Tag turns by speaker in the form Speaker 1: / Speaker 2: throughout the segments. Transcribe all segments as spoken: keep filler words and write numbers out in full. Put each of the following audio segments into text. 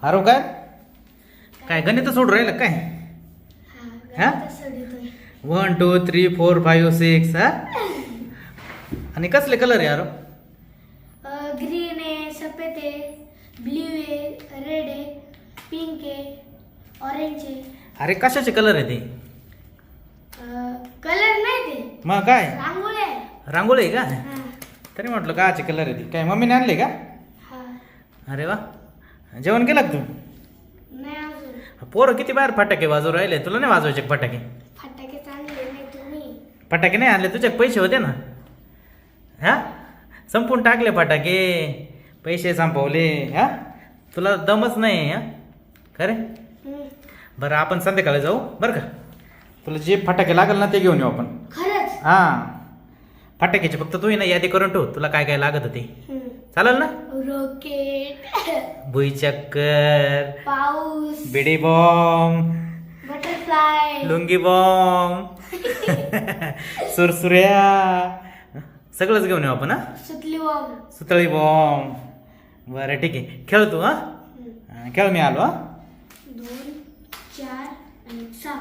Speaker 1: अरे काय काय गणित सोडून राहिलं काय? हा one two three four five six हा आणि कसले कलर आहे यार?
Speaker 2: ग्रीन आहे, सफेद आहे, ब्ल्यू आहे, रेड आहे, पिंक आहे, ऑरेंज आहे.
Speaker 1: अरे कशाचे कलर आहे ते?
Speaker 2: कलर नाही ते,
Speaker 1: मग काय
Speaker 2: रांगोळी आहे.
Speaker 1: रांगोळी आहे का?
Speaker 2: हा.
Speaker 1: तरी म्हटलं काचे कलर आहे ती काय मम्मीने आणले का?
Speaker 2: हा.
Speaker 1: अरे वा जेवण केलं का तू?
Speaker 2: नाही अजून.
Speaker 1: पोरं किती बाहेर फटाके वाजवू राहिले तुला नाही वाजवायचे का फटाके?
Speaker 2: फटाके चांगले नाही तुम्ही.
Speaker 1: फटाके नाही आणले तुझ्यात पैसे होते ना हा संपून टाकले फटाके पैसे संपवले हा तुला दमच नाही हा खरे
Speaker 2: हम्म.
Speaker 1: बरं आपण संध्याकाळी जाऊ बरं का तुला जे फटाके लागल ना ते घेऊन येऊ आपण
Speaker 2: खरंच.
Speaker 1: हा फटाक्याचे फक्त तू ना यादी करून ठेव तुला काय काय लागत ते
Speaker 2: हम्म.
Speaker 1: चालेल ना
Speaker 2: रॉकेट,
Speaker 1: भुईचक्कर
Speaker 2: पाऊस,
Speaker 1: bidi bomb
Speaker 2: butterfly,
Speaker 1: lungi bomb सुरसुऱ्या सगळंच घेऊन येऊ आपण हा
Speaker 2: सुतली बॉम्ब.
Speaker 1: सुतळी बॉम्ब बरं ठीक आहे खेळ तू हा हा, खेळ मी आलो हा
Speaker 2: दोन, चार आणि सहा.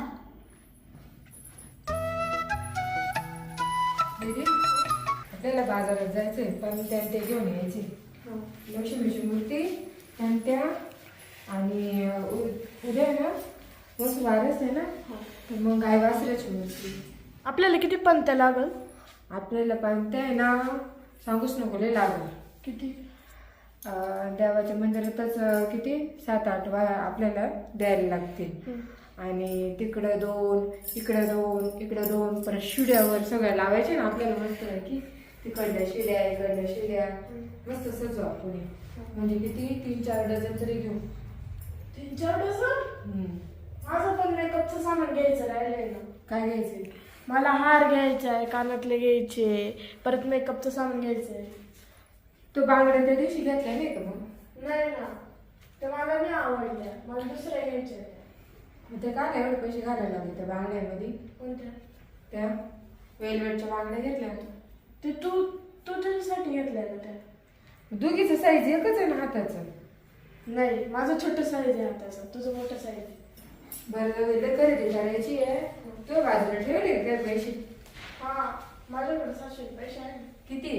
Speaker 3: दीदी आपल्याला बाजारात जायचंय पण त्या ते घेऊन यायचे लक्ष्मीची मूर्ती त्या आणि उ- उद्या आहे ना मस्त वारस आहे ना तर मग गाय वासराची मूर्ती
Speaker 2: आपल्याला किती पंत लागल?
Speaker 3: आपल्याला पण ते आहे ना सांगूच नको लय लागल
Speaker 2: किती?
Speaker 3: अं, देवाच्या मंदिरातच अं, किती सात आठ वा आपल्याला द्यायला लागतील आणि तिकडं दोन इकडं दोन इकडं दोन परत शिड्यावर सगळ्या लावायचे ना आपल्याला मस्त आहे की तिकडल्या शिड्या इकडल्या शिड्या मस्त सजू आपण म्हणजे किती तीन चार डझन तरी घेऊ.
Speaker 2: तीन चार डझन?
Speaker 3: हम्म.
Speaker 2: माझं पण मेकअपचं सामान घ्यायचं राहिलंय ना.
Speaker 3: काय घ्यायचंय?
Speaker 2: मला हार घ्यायचा आहे, कानातले घ्यायचे, परत मेकअपचं सामान घ्यायचं आहे.
Speaker 3: तो बांगड्या त्या दिवशी घेतल्या नाही का मग?
Speaker 2: नाही ना, ते मला नाही आवडल्या, मला दुसऱ्या घ्यायच्या आहेत.
Speaker 3: मग ते काय एवढे पैसे घालायला लागले त्या बांगड्यामध्ये?
Speaker 2: कोणत्या?
Speaker 3: त्या वेलवेटच्या बांगड्या घेतल्या होत्या.
Speaker 2: ते तू तू तुझ्यासाठी घेतल्या ना त्या?
Speaker 3: दोघीचं साईज एकच आहे ना हाताचं?
Speaker 2: नाही, माझं छोटं साईज आहे हाताचं, तुझं मोठं साईज आहे.
Speaker 3: बरं वेळ खरेदी करायची आहे तो बाजूला ठेवले काय पैसे?
Speaker 2: हा, माझ्याकडे सहाशे पैसे आहे.
Speaker 3: किती?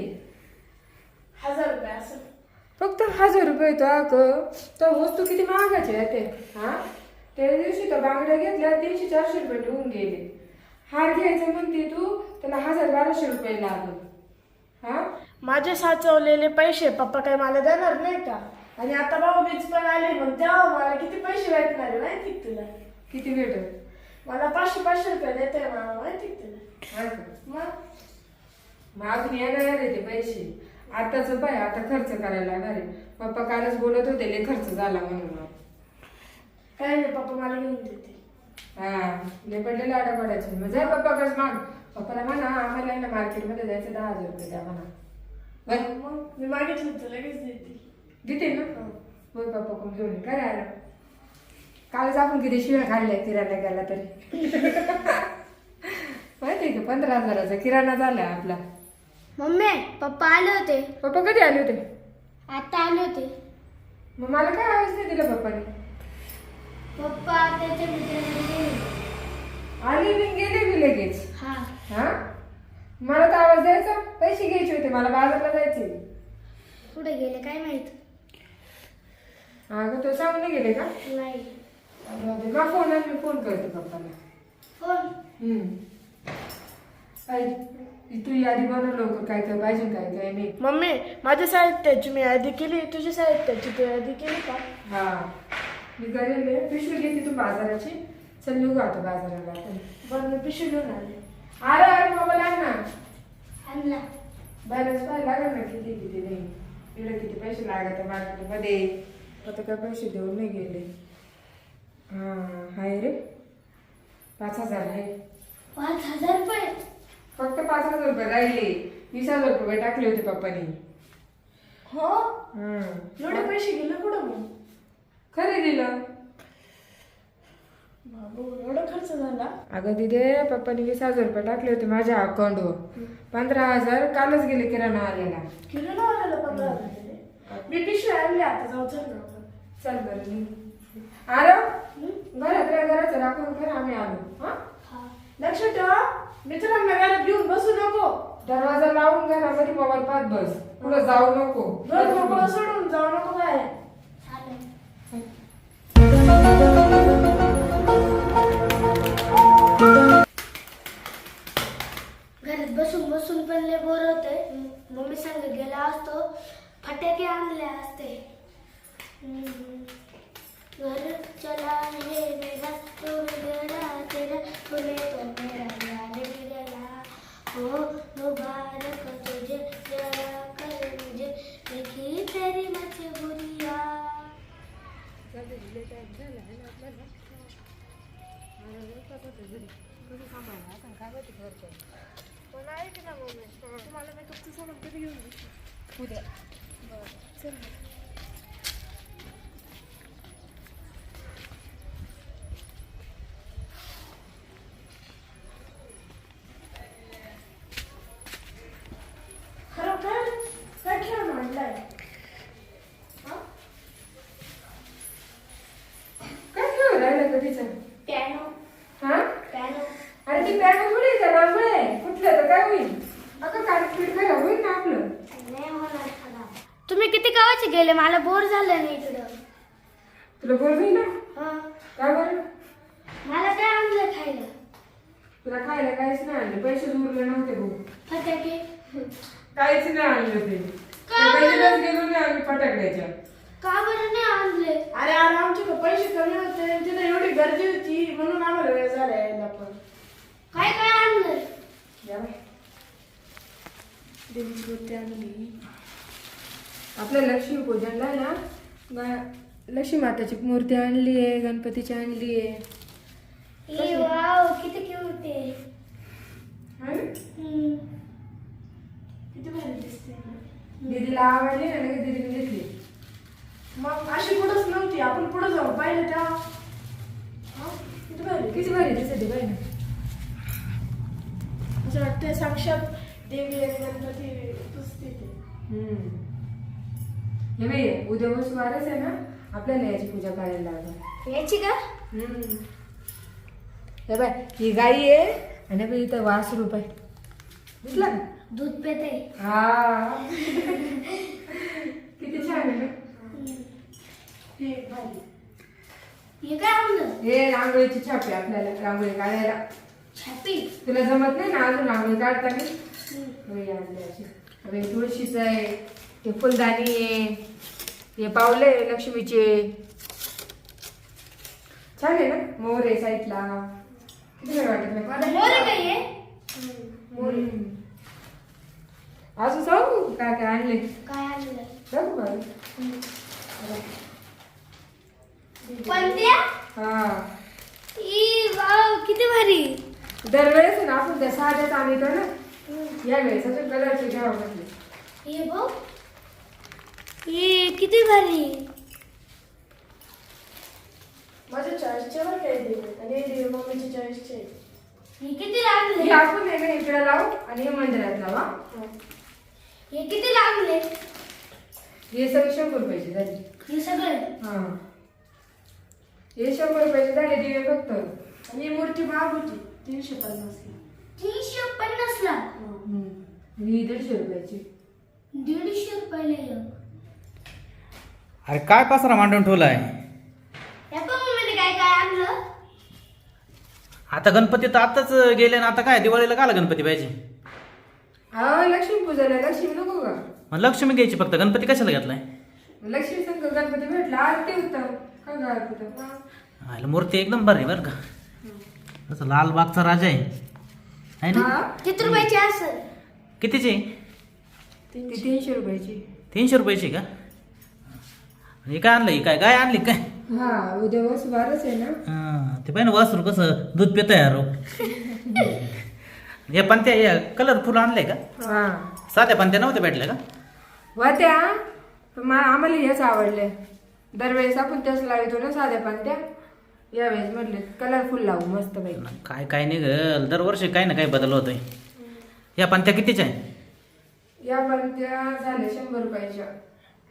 Speaker 2: हजार रुपये असं.
Speaker 3: फक्त हजार रुपये तो अगं तर वस्तू किती महागाची आहे ते हा त्या दिवशी तर बांगड्या घेतल्या तीनशे चारशे रुपये ठेवून गेले. हार घ्यायचं म्हणते तू त्याला हजार बाराशे रुपये लागल. हा
Speaker 2: माझे साचवलेले पैसे पप्पा काय मला देणार नाही का? आणि आता भाऊ बीज पण आले मग तेव्हा मला किती पैसे भेटणार आहे माहिती का तुला?
Speaker 3: किती भेटल?
Speaker 2: मला पाचशे पाचशे रुपये देते मला माहिती का तुला?
Speaker 3: हा का?
Speaker 2: मग
Speaker 3: मग अजून येणार आहे ते पैसे आताच पाय आता खर्च करायला लागणार आहे. पप्पा कालच बोलत होते लय खर्च झाला म्हणून.
Speaker 2: काय नाही, पप्पा मला घेऊन देते.
Speaker 3: हा लय पडले लाडा पडायचे मग जाय पप्पाकडे माग पप्पाला म्हणा आम्हाला ना मार्केटमध्ये जायचं दहा हजार रुपये द्या म्हणा. बरं
Speaker 2: मग मी मागितलं तर लगेच देते.
Speaker 3: देते ना होय पप्पा कोण घेऊन ये. काय राहिलं कालच आपण किती शिव्या खाल्ल्या किराणा गेला तरी माहिती आहे का पंधरा हजाराचा किराणा झाला आपला.
Speaker 2: मम्मी पप्पा आले होते.
Speaker 3: पप्पा कधी आले होते?
Speaker 2: आता आले होते.
Speaker 3: मग मला काय आवाज नाही दिला पप्पाने?
Speaker 2: पप्पा त्याच्या मित्रांकडे
Speaker 3: आली मी गेले मी लगेच.
Speaker 2: हा.
Speaker 3: हा मला तर आवाज द्यायचा पैसे घ्यायचे होते मला बाजारला जायचे.
Speaker 2: कुठे गेले काय माहित?
Speaker 3: अगं तो सांगून नाही गेले का?
Speaker 2: नाही.
Speaker 3: मग फोन मी फोन करते पप्पाला.
Speaker 2: फोन?
Speaker 3: हम्म. आई, तू यादी बनव लवकर काय काय पाहिजे काय काय नाही.
Speaker 2: मम्मी माझ्या साहित्याची मी यादी केली, तुझ्या साहित्याची तू यादी केली का?
Speaker 3: हा मी करेल पिशवी घेते तू बाजाराची. चल निघू आता बाजाराला आपण.
Speaker 2: बरं मी पिशवी घेऊन आले.
Speaker 3: अरे अरे मोबाईल आण ना.
Speaker 2: आणला.
Speaker 3: बॅलन्स पाहायला लागेल ना किती किती नाही इकडे किती पैसे लागत मार्केटमध्ये. आता काय पैसे देऊन नाही गेले. हा हाय रे पाच हजार आहे.
Speaker 2: पाच हजार रुपये?
Speaker 3: फक्त पाच हजार रुपये राहिले. वीस हजार रुपये टाकले होते पप्पानी.
Speaker 2: हो
Speaker 3: हम्म
Speaker 2: एवढे पैसे गेले कुठं मग?
Speaker 3: खरेदीला.
Speaker 2: बाबू एवढा खर्च झाला?
Speaker 3: अगं दिदे पप्पानी वीस हजार रुपये टाकले होते माझ्या अकाउंटवर. पंधरा हजार कालच गेले किराणा आलेला.
Speaker 2: किलो ना आलेला पंधरा हजार? मी पिशवी आणली आता जाऊ चल ना आपण.
Speaker 3: चल बरं निघ. आलो घरात घराचं राखून कर आम्ही आलो. हा
Speaker 2: लक्ष ठेवा मित्रांना घरात घेऊन बसू नको.
Speaker 3: दरवाजा लावून घरामध्ये मोबाईल पाहत बस. पुढे जाऊ नको.
Speaker 2: घर मोकळं सोडून जाऊ नको बाहेर.
Speaker 4: घरात बसून बसून पण लय बोर होतंय. मम्मी सांग गेला असतो फटाके आणले असते. हम्म. घर चला हे मेरा तो मेरा तेरा बोले तो मेरा यार मेरा हो मुबारक तुझे जरा कर मुझे देखी तेरी मजबूरिया.
Speaker 2: खरोखर काय खेळ मांडलाय.
Speaker 3: काय खेळ राहिलं कधीचं?
Speaker 4: पियानो
Speaker 3: हा
Speaker 4: पियानो
Speaker 3: अरे ती पॅन्ट थोडी का लांबळ आहे. कुठलं तर काय होईल. अगं काटपीट खराब होईल ना आपलं.
Speaker 4: नाही होणार खराब. तुम्ही किती गावाचे गेले मला बोर झालं नाही इकडं.
Speaker 3: तुला बोल होईल ना.
Speaker 4: हा
Speaker 3: काय बरं
Speaker 4: मला काय आणलं खायला.
Speaker 3: तुला खायला काहीच नाही आणलं. पैसे उरले नव्हते भाऊ.
Speaker 4: फटाके
Speaker 3: काहीच नाही आणलं ते.
Speaker 4: का बरं?
Speaker 3: पहिल्यांदाच गेलो नाही आम्ही फटाकड्याच्या.
Speaker 4: का बरं नाही आणले.
Speaker 2: अरे अरे आमच्याकडे पैसे कमी होते आणि तिथे एवढी गर्दी होती म्हणून आम्हाला वेळ झाला यायला. पण
Speaker 4: काय काय आणलं.
Speaker 3: या बाई.
Speaker 2: देवीची मूर्ती आणली.
Speaker 3: आपल्या लक्ष्मी पूजनला आहे ना गा- लक्ष्मी माताची मूर्ती आणली आहे. गणपतीची आणली आहे.
Speaker 4: ए वाव किती क्यूट आहे.
Speaker 3: है ना?
Speaker 4: हम्म.
Speaker 2: किती भारी दिसते.
Speaker 3: दीदीला आवडली ना लगेच दीदीने घेतली.
Speaker 2: मग अशी पुढंच नव्हती. आपण पुढे जाऊ पाहिलं तेव्हा. हा? किती भारी.
Speaker 3: किती भारी दिसते बाई ना.
Speaker 2: असं वाटतंय साक्षात देवी आणि गणपती तूच तिथे.
Speaker 3: हम्म. हे बाई उद्या वर्ष वारच आहे ना आपल्याला याची पूजा करायला लागणार.
Speaker 4: याची का.
Speaker 3: हम्म. हे बाय ही गाई आहे आणि बाई इथं वास रुपये दिसला का?
Speaker 4: दूध पेते.
Speaker 3: हा किती छान आहे ना.
Speaker 2: हे भारी.
Speaker 4: हे काय आणलं.
Speaker 3: हे रांगोळीची छापी आपल्याला रांगोळी काढायला.
Speaker 4: छापी.
Speaker 3: तुला जमत नाही ना अजून रांगोळी काढताना.
Speaker 4: हम्म.
Speaker 3: बाई आणली अशी. बाई तुळशीचं आहे. ते फुलदाणी आहे. हे पावले लक्ष्मीचे. छान आहे ना. मोर आहे साईडला. किती वेळ वाटत नाही मला.
Speaker 4: मोर आहे का हे.
Speaker 3: मोर आहे. अजून सांगू काय काय आणले.
Speaker 4: काय आणलं.
Speaker 3: सांगू का?
Speaker 4: कोणत्या.
Speaker 3: हा
Speaker 4: ई वाव किती भारी.
Speaker 3: दरवेळेस आहे ना आपण त्या साध्याच आणतो ना. या वेळेस अजून कलरचे घ्यावं म्हटले.
Speaker 4: हे बघ. हे किती भारी.
Speaker 2: माझ्या चॉईसचे वर काही देवी आणि हे देवी मम्मीच्या चॉईसचे.
Speaker 4: हे किती लागले.
Speaker 3: हे आपण आहे ना इकडे लावू आणि हे मंदिरात लावा.
Speaker 4: हे किती लागले.
Speaker 3: हे सगळे शंभर रुपयाचे झाले.
Speaker 4: हे सगळे.
Speaker 3: हा हे शंभर रुपयाचे झाले दिवे फक्त.
Speaker 2: आणि ही मूर्ती महाग होती तीनशे पन्नासला.
Speaker 4: तीनशे पन्नास ला.
Speaker 3: ही दीडशे रुपयाची.
Speaker 4: दीडशे रुपयाला एक.
Speaker 1: अरे काय पसरा मांडून ठेवलाय.
Speaker 4: या पण मम्मीने काय काय आणलं.
Speaker 1: आता गणपती तर आताच गेले ना. आता काय दिवाळीला काला गणपती पाहिजे.
Speaker 3: हा लक्ष्मी पूजाला लक्ष्मी नको का.
Speaker 1: मग लक्ष्मी घ्यायची फक्त. गणपती कशाला घेतलाय.
Speaker 3: लक्ष्मी संग गणपती भेटला आरती होतं काय काय आरती होतं.
Speaker 1: आयला मूर्ती एकदम बरी बरं का. तसं लालबागचा राजा आहे है ना.
Speaker 3: हा
Speaker 4: किती रुपयाची असेल.
Speaker 1: कितीची.
Speaker 3: ती तीनशे रुपयाची.
Speaker 1: तीनशे रुपयाची का. हे काय आणलं. ही काय गाय आणली काय.
Speaker 3: हा उद्या वर्ष बारच आहे ना.
Speaker 1: हा, ते पाहिजे वासरू कसं दूध पित यार. हे पण त्या कलरफुल आणलंय का.
Speaker 3: हा
Speaker 1: साध्या पण त्या नव्हत्या भेटल्या का.
Speaker 3: वात्या मला आम्हाला हेच आवडले. दरवेळेस आपण त्याच लावतो ना साध्या पांत्या. यावेळेस म्हटले कलरफुल लावू मस्त पैकी.
Speaker 1: काय काय निघल दरवर्षी काही ना काही बदल होतोय. या पंत्या कितीच्या आहे.
Speaker 3: या पांत्या झाल्या शंभर रुपयाच्या.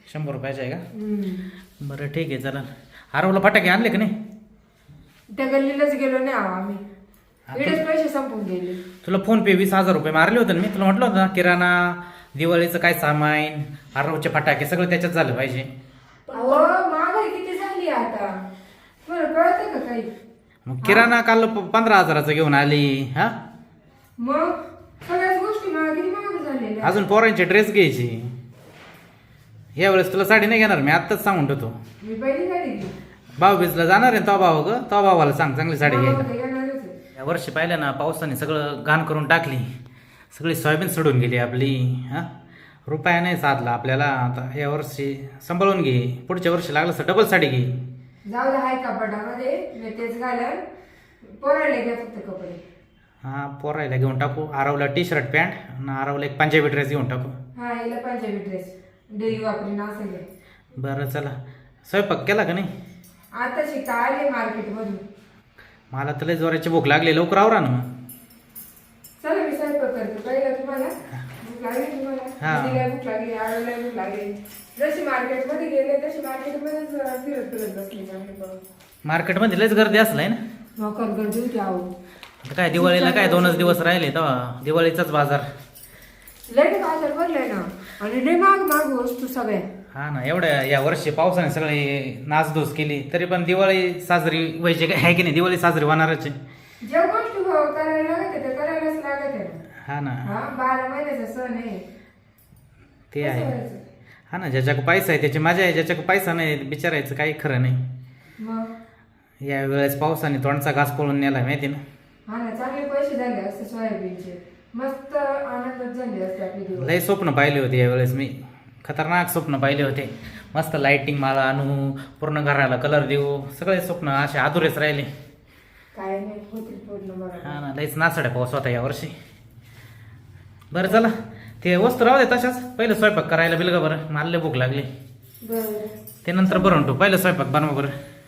Speaker 1: शंभर रुपयाचे आहे का?
Speaker 3: हम्म.
Speaker 1: बरं ठीक आहे चला. आरवला फटाके आणले का नाही?
Speaker 3: त्या गल्लीलाच गेलो नाही आहो आम्ही. इकडेच पैसे संपून गेले.
Speaker 1: तुला फोन पे वीस हजार रुपये मारले होते ना मी. तुला म्हटलं होतं ना किराणा, दिवाळीचं काय सामान, आरवचे फटाके सगळं त्याच्यात झालं पाहिजे.
Speaker 3: अहो महागाई किती झाली आता, मला कळतं का काही?
Speaker 1: मग किराणा काल प- पंधरा हजाराचं घेऊन आली. हा
Speaker 3: मग सगळ्याच गोष्टी महाग किती महाग झालेल्या.
Speaker 1: अजून पोरांचे ड्रेस घ्यायची. यावेळेस तुला साडी नाही घेणार मी, आत्ताच सांगून ठेवतो.
Speaker 3: मी पहिली गाडी घेतली.
Speaker 1: भाऊबीजला जाणार आहे तो भाऊ ग, तो भावाला सांग चांगली साडी
Speaker 3: मला
Speaker 1: घ्यायला.
Speaker 3: होतं येणारच आहे.
Speaker 1: या वर्षी पाहिलं ना पावसाने सगळं घाण करून टाकली. सगळी सोयाबीन सोडून गेली आपली. हा रुपया नाही साधला आपल्याला. आता या वर्षी सांभाळून घे, पुढच्या वर्षी लागलं तर डबल साडी घे.
Speaker 3: जाऊ दे हाय कपाटामध्ये, मी तेच घालन. पोरायला घ्या फक्त कपडे.
Speaker 1: हा पोरायला घेऊन टाकू. आरवला टी शर्ट पॅन्ट आणि आरवला एक पंजाबी ड्रेस घेऊन टाकू.
Speaker 3: हा हिला पंजाबी ड्रेस डेली वापरी असेल.
Speaker 1: बरं चला. स्वयंपाक केला का नाही?
Speaker 3: आता शिका आले मार्केट मधून.
Speaker 1: मला तर लय जोराची भूक लागली, लवकर आवरा ना मग.
Speaker 3: चला मी स्वयंपाक करते. पहिला तुम्हाला भूक लागली तुम्हाला,
Speaker 1: हा.
Speaker 3: मुलीला भूक लागली, आळूला भूक लागली. जशी मार्केट मध्ये गेले तशी मार्केट मध्येच फिरत फिरत बसली चांगली.
Speaker 1: मार्केटमध्ये लयच गर्दी असलाय ना.
Speaker 3: मकर गर्दी होती आहो.
Speaker 1: आता काय दिवाळीला काय दोनच दिवस राहिले तेव्हा दिवाळीचाच बाजार.
Speaker 3: लय बाजार भरलाय ना, आणि लय माग माग वस्तू सगळ्या.
Speaker 1: हा ना, एवढ्या या वर्षी पावसाने सगळी नासधूस केली तरी पण दिवाळी साजरी व्हायची काय आहे की नाही? दिवाळी साजरी होणारच आहे.
Speaker 3: ज्या गोष्टी करायला लागत आहे त्या करायलाच लागत आहे.
Speaker 1: हा ना,
Speaker 3: हा बारा महिन्याचा सण आहे.
Speaker 1: ते
Speaker 3: कसं
Speaker 1: आहे.
Speaker 3: व्हायचं?
Speaker 1: हा ना, ज्याच्याकडे पैसा आहे त्याची मजा आहे, ज्याच्याकडे पैसा नाही बिचारायचं काही खरं नाही.
Speaker 3: मग
Speaker 1: या वेळेस पावसाने तोंडचा घास पळून नेला माहिती ना.
Speaker 3: हा ना, चांगले पैसे झाले असते सोयाबीनचे, मस्त आनंदात झाले असते आपली दिवस.
Speaker 1: लय स्वप्न पाहिले होते यावेळेस मी. खतरनाक स्वप्न पाहिले होते. मस्त लाइटिंग माला आणू, पूर्ण घराला कलर देऊ, सगळे स्वप्न असे अधुरेच राहिले.
Speaker 3: काय नाही होतील पूर्ण बघा.
Speaker 1: हा ना, लयच नासाड्या पाऊस होता यावर्षी. बरं चला, ते वस्तू राहू दे तशाच. पहिलं स्वयंपाक करायला बिल का बरं, मला लय भूक लागली.
Speaker 3: बरं
Speaker 1: ते नंतर बनवून ठेवू, पहिलं स्वयंपाक बनवा बरं.